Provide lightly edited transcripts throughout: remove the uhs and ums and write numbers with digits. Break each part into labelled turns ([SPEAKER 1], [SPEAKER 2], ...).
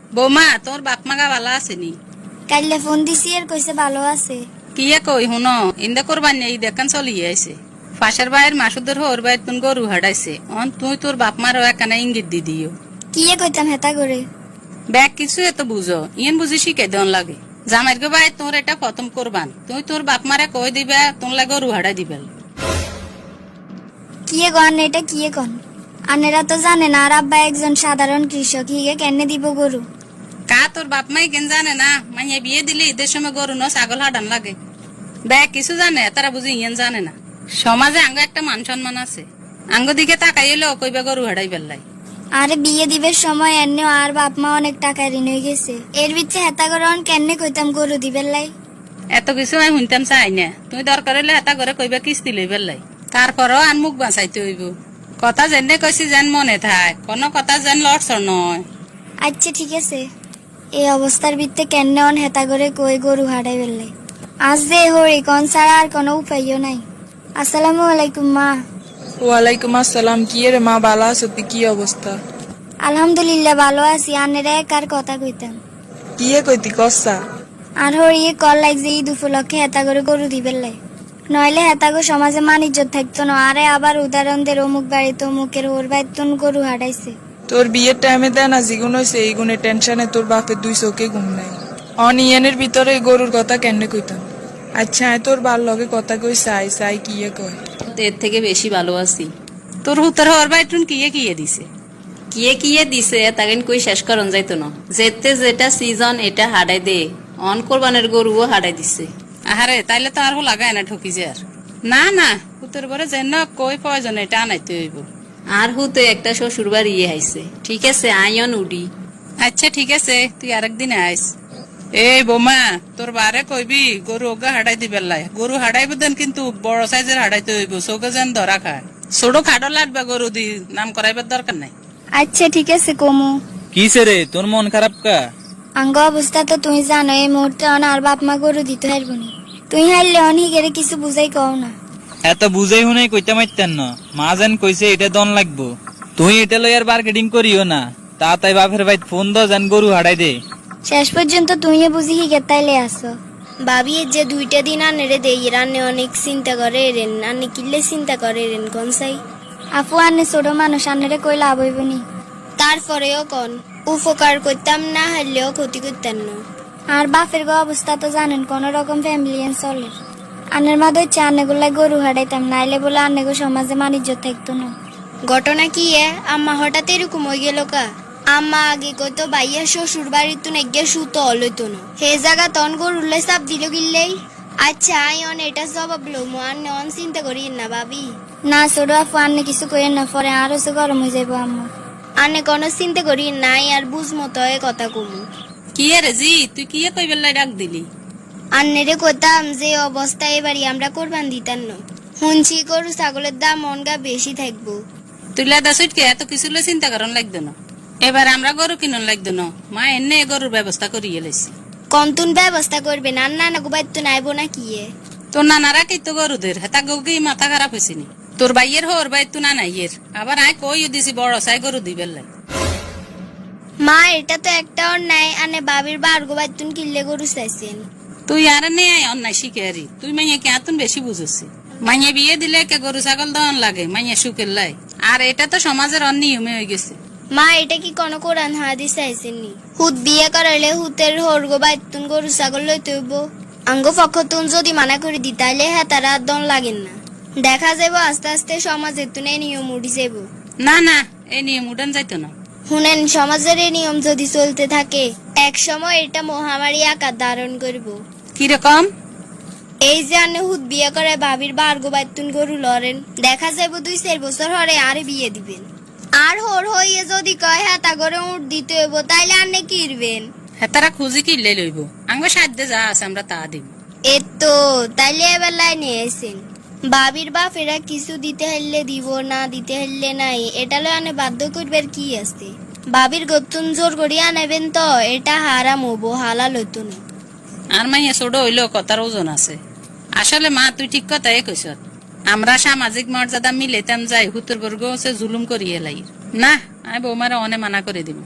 [SPEAKER 1] বৌমা তোর বাপ মাগা ভালো আসেনি?
[SPEAKER 2] কাইলে ফোন দিছি আর কইছে ভালো আছে।
[SPEAKER 1] কি কই হুন ইন্দা করবার নেই দেখান চলিয়ে আইছে। পাশের বাইরের মাসুদের হোর বাইর তুন গরু হাডাইছে অন তুই তোর বাপ মারও একখানা ইঙ্গিত দি দিও।
[SPEAKER 2] কি কইতাম হেতা করে?
[SPEAKER 1] ব্যাগ কিছু এত বুঝো ইয়েন বুঝি শিখে দেন লাগে। জামাইর গো ভাই তোর এটা খতম করবান তুই তোর বাপ মারে কই দিবা তোর লাগে গরু হাডাই দিবেল।
[SPEAKER 2] কি গন এটা কি কন? আনেরা তো জানে না আর আব্বা একজন সাধারণ কৃষক, হিগে কেনে দিব গরু?
[SPEAKER 1] কা তোর বাপ মাই কেন জানে না মাইয়া বিয়ে দিলে ঈদের সময় গরু ন ছাগল হাডান লাগে। ব্যাগ কিছু জানে তারা বুঝি ইয়েন জানে না। সমাজে আঙ্গ একটা মান সম্মান আছে, আঙ্গ দিকে তাকাইলে কইবা গরু হাডাই বেল্লাই।
[SPEAKER 2] আরে বিয়ে দিবের সময় এনে আর বাপ মা অনেক টাকা ঋণ হয়ে গেছে, এর বিচ্ছে হেতা করে কেনে কইতাম গরু দিবেন লাই।
[SPEAKER 1] এত কিছু আমি শুনতাম চাই না, তুই দরকার হইলে হেতা করে কইবা কিস্তি লই বেল্লাই। তারপরও আন মুখ বাঁচাইতে হইব। কথা যেনে কইছি যেন মনে থাক, কোনো কথা যেন লড়ছর নয়।
[SPEAKER 2] আচ্ছা ঠিক আছে, এই অবস্থার ভিত্তে কেনে হেতা করে কই গরু হারাই বেললাই। আজ যে হরি কোন ছাড়া আর কোনো উপায়ও নাই। আসসালামু আলাইকুম মা।
[SPEAKER 3] ওয়ালাইকুম আসসালাম। কি রে মা, বালা আছো? তুই কি অবস্থা?
[SPEAKER 2] আলহামদুলিল্লাহ ভালো আছি। আনেরা একার কথা কইতাম।
[SPEAKER 3] কি কইতি কসা?
[SPEAKER 2] আর হরি কল লাগছে ঈদ উপলক্ষে হেতা করে গরু দিবেন লাই, নইলে হেতাগো সমাজে মান ইজ্জত থাকতো না। আরে আবার উদাহরণ দের অমুক বাড়িতে অমুকের ওর বাইতুন গরু হারাইছে।
[SPEAKER 3] তোর বিয়ের টাইমে দেয় না জিগুন হয়েছে, এই গুণে টেনশনে তোর বাপের দুই চোখে ঘুম নাই। অনিয়নের ভিতরে গরুর কথা কেন কইতাম? আচ্ছা তোর বার লগে কথা কই চাই চাই কি কয়?
[SPEAKER 4] এর থেকে বেশি ভালো আছি।
[SPEAKER 1] তোর হুতর হওয়ার বাইটুন কিয়ে দিছে?
[SPEAKER 4] কিয়ে দিছে তাকে কই শেষ করন যাইতো না। যেতে যেটা সিজন এটা হাডাই দে, অন কোরবানের গরুও হাডাই দিছে।
[SPEAKER 1] আহারে তাইলে তো আর লাগায় না ঠকি যে আর। না না হুতর বরে যেন কই প্রয়োজন এটা আনাইতে হইব।
[SPEAKER 4] আর হুতে একটা শ্বশুর বাড়ি হাইছে। ঠিক আছে আইন উডি।
[SPEAKER 1] আচ্ছা ঠিক আছে তুই আরেকদিন আইস। এই বোমা তোর বারে কইবি গরু ওগা হাডাই দিবে লাই। গরু হাডাইব দেন কিন্তু বড় সাইজের হাডাইতে হইব, চোখে যেন ধরা খায়। ছোট খাডো লাগবে গরু দি, নাম করাইবার দরকার নাই।
[SPEAKER 2] আচ্ছা ঠিক আছে কমু।
[SPEAKER 5] কিসে রে তোর মন খারাপ কা?
[SPEAKER 2] আঙ্গ অবস্থা তো তুই জানো, এই মুহূর্তে আর বাপ মা গরু দিতে হারবনি। তুই হারলে অনিগেরে কিছু বুঝাই কও না।
[SPEAKER 5] এত বুঝাই শুনে কইতে মারতেন না। মা যেন কইছে এটা দন লাগবো, তুই এটা লই আর মার্কেটিং করিও না। তা তাই বাপের ভাই ফোন দ যেন গরু হারাই দে।
[SPEAKER 2] শেষ পর্যন্ত তুই বুঝি হিগে তাইলে আসো। ভাবি যে দুইটা দিন আনেরে দেই রান্নে অনেক চিন্তা করে রেন, আনে কিল্লে চিন্তা করে রেন কনসাই। আপু আনে ছোট মানুষ, আনেরে কই লাভ হইবনি। তারপরেও কন উপকার করতাম না, হারলেও ক্ষতি করতাম না। আর বাপের গো অবস্থা তো জানেন, কোন রকম ফ্যামিলি চলে। আনের মা দইছে আনেগুলা গরু হারাইতাম, নাইলে বলে আনেগো সমাজে মানিজ্য থাকতো না। ঘটনা কি আম্মা হঠাৎ এরকম হয়ে গেল কা? আম্মা আগে কইতো বাইয়া শ্বশুর বাড়ির তুন একগে সুতো অলইতো না, হে জায়গা তন গরুলে চাপ দিল গিল্লেই। আচ্ছা আই অন এটা জবাব লো আন্নে অন চিন্তা করি না ভাবি। না ছোট আপু আন্নে কিছু কইেন না, পরে আরো সে গরম হয়ে যাবো আম্মা। আন্নে কোনো চিন্তা করি নাই আর বুঝ মতো কথা কমু।
[SPEAKER 1] কি রে জি তুই কিয়ে কইবার লাই ডাক দিলি?
[SPEAKER 2] আন্নেরে কইতাম যে অবস্থা এবারই আমরা কোরবান দিতাম না, শুনছি গরু ছাগলের দাম মনগা বেশি থাকবো।
[SPEAKER 1] তুই লাদা সুইটকে এত কিছু চিন্তা করার লাগতো না। এবার আমরা গরু কিনন লাগতো না, মা এনে গরুর ব্যবস্থা করিয়ে লাইছি।
[SPEAKER 2] কন্তুন ব্যবস্থা করবে না, না না গোবাই তো নাইবো না কি?
[SPEAKER 1] তোর নানারা কি তো গরুদের হেতা গৌকি মাথা খারাপ হয়েছিনি? তোর বাইয়ের হোর বাই তু না নাইয়ের আবার আয় কইও দিছি বড় সাই গরু দিবেন লাই।
[SPEAKER 2] মা এটা তো একটা নাই, আনে বাবির বার গোবাই তুন কিল্লে গরু চাইছেন।
[SPEAKER 1] তুই আর নে আয় অন্যায় শিখে হারি। তুই মাইয়া কে আতুন বেশি বুঝছি। মাইয়া বিয়ে দিলে কে গরু ছাগল দন লাগে মাইয়া সুখের লাই। আর এটা তো সমাজের অনিয়মে হয়ে গেছে।
[SPEAKER 2] মা এটা কি কোন কোরআন হাদিস চাইছেন নি? হুত বিয়ে করাইলে হুতের হোর গোবাই তুন গরু ছাগল লইতে হইব। আঙ্গ পক্ষ তুন যদি মানা করে দি তাইলে হ্যাঁ তারা দন লাগেন না। দেখা যাবো আস্তে আস্তে সমাজের তুনে নিয়ম উঠি যাব।
[SPEAKER 1] না না এই নিয়ম উঠান যাইতো না।
[SPEAKER 2] শুনেন সমাজের এই নিয়ম যদি চলতে থাকে এক সময় এটা মহামারী আকার ধারণ করব।
[SPEAKER 1] কিরকম?
[SPEAKER 2] এই যে আনে হুত বিয়ে করে ভাবির বার গোবাই তুন গরু লড়েন, দেখা যাবো 2-4 বছর হরে আরে বিয়ে দিবেন। আর হোর হইয়ে যদি কয় হ্যাঁ তা করে উঠ দিতে হইব, তাইলে আনে কিরবেন?
[SPEAKER 1] হেতারা খুঁজি কিনলে লইব, আঙ্গ সাধ্যে যা আছে আমরা তা দিব।
[SPEAKER 2] এতো তাইলে এবার লাইনে এসেন। ভাবির বাপ এরা কিছু দিতে হইলে দিব, না দিতে হইলে নাই, এটা লয় আনে বাধ্য করবার কি আছে? ভাবির গতুন জোর করিয়া নেবেন তো এটা হারাম হবো, হালাল হইতো না।
[SPEAKER 1] আর মাইয়া ছোট হইলেও কথার ওজন আছে। আসলে মা তুই ঠিক কথাই কইস। আমরা সামাজিক মর্যাদা মিলেতাম যাই হুতুর বর্গ হচ্ছে জুলুম করিয়ে লাই। না আমি বৌমারা অনে মানা করে দিব।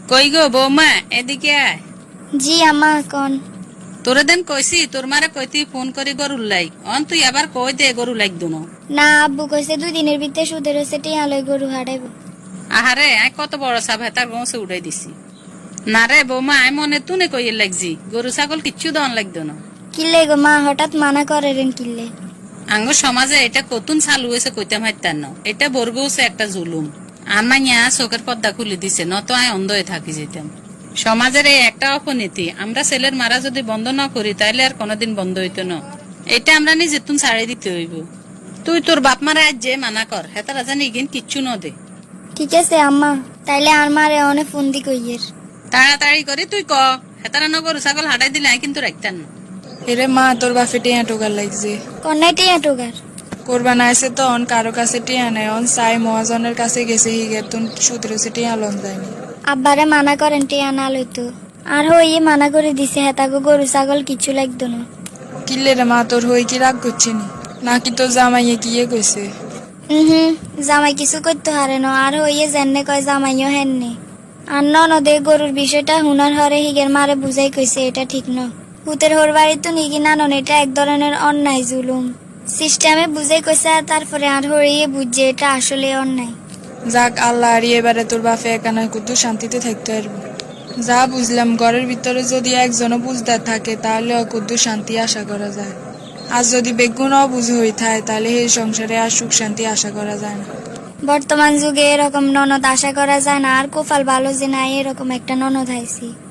[SPEAKER 1] কই গো বৌমা এদিকে আয়।
[SPEAKER 2] জি আম্মা কন।
[SPEAKER 1] তোরে দেন কইছি তোর মারে কইতি ফোন করি গরুর লাই অন তুই আবার কই দে গরু লাগতো না।
[SPEAKER 2] না আব্বু কইছে 2 দিনের ভিতরে সুদের সেটি আলোয় গরু হারাইব।
[SPEAKER 1] আহারে আই কত বড় সাপ হেতার গৌসে উঠাই দিছি। না রে বৌমা আই মনে তুনে কইয়ে লাগছি গরু ছাগল কিচ্ছু দন লাগতো না।
[SPEAKER 2] কিল্লে গো মা হঠাৎ মানা করেন কিল্লে?
[SPEAKER 1] আঙ্গ সমাজে এটা কতুন চালু হয়েছে কইতাম হাইতার না, এটা বর্গছে একটা জুলুম। আমাইয়া চোখের পর্দা খুলে দিছে, নত আয় অন্ধ হয়ে থাকি যেতাম। সমাজের এই একটা অপনীতি, আমরা ছেলের মারা যদি বন্ধ না করি তাইলে আর কোনোদিন বন্ধ হইতো না। এটা আমরা নিজে তুন ছাড়ে দিতে হইব। তুই তোর বাপ মারা আজ যে মানা কর হেতারা জানি ইগিন কিচ্ছু ন দে।
[SPEAKER 2] ঠিক আছে আম্মা, তাইলে আর মারে অনেক ফোন দি কইয়ের।
[SPEAKER 1] তাড়াতাড়ি করে তুই ক হেতারা ন গরু ছাগল হাঁটাই দিলে আই কিন্তু রাখতাম না।
[SPEAKER 3] এরে মা তোর বাপে টিয়া টোকার লাগছে।
[SPEAKER 2] কন্যাই টিয়া টোগার
[SPEAKER 3] কোরবান আইসে তো অন কারো কাছে টিয়া নাই, অন সাই মহাজনের কাছে গেছে হিগে তুন সুদের টিয়া লন যায়নি।
[SPEAKER 2] আব্বারে মানা করেন টিয়া না লইতো। আর হইয়ে মানা করে দিছে হেতাগো গরু ছাগল কিছু লাগতো না।
[SPEAKER 3] কিল্লে রে মা তোর হই কি রাগ করছিনি নাকি তোর জামাইয়ে কিয়ে কইছে?
[SPEAKER 2] জামাই কিছু করতে হারে না, আর হইয়ে জেনে কয় জামাইও হেননি। আর ননদে গরুর বিষয়টা হুনার হরে হিগের মারে বুঝাই কইছে এটা ঠিক ন। হুতের হোর বাড়ি তো নিগি নানন, এটা এক ধরনের অন্যায় জুলুম। সিস্টেমে বুঝাই কইছে আর তারপরে আর হরিয়ে বুঝছে এটা আসলে অন্যায়।
[SPEAKER 3] যাক আল্লাহ আর এবারে তোর বাপে একানা কুতু শান্তিতে থাকতে পারবো। যা বুঝলাম ঘরের ভিতরে যদি একজনও বুঝদার থাকে তাহলে অকুদ্দু শান্তি আশা করা যায়। আর যদি বেগুন অবুঝ হয়ে থাকে তাহলে এই সংসারে আর সুখ শান্তি আশা করা যায় না।
[SPEAKER 2] বর্তমান যুগে এরকম ননদ আশা করা যায় না, আর কোফাল ভালো যে নাই এরকম একটা ননদ হাইছি।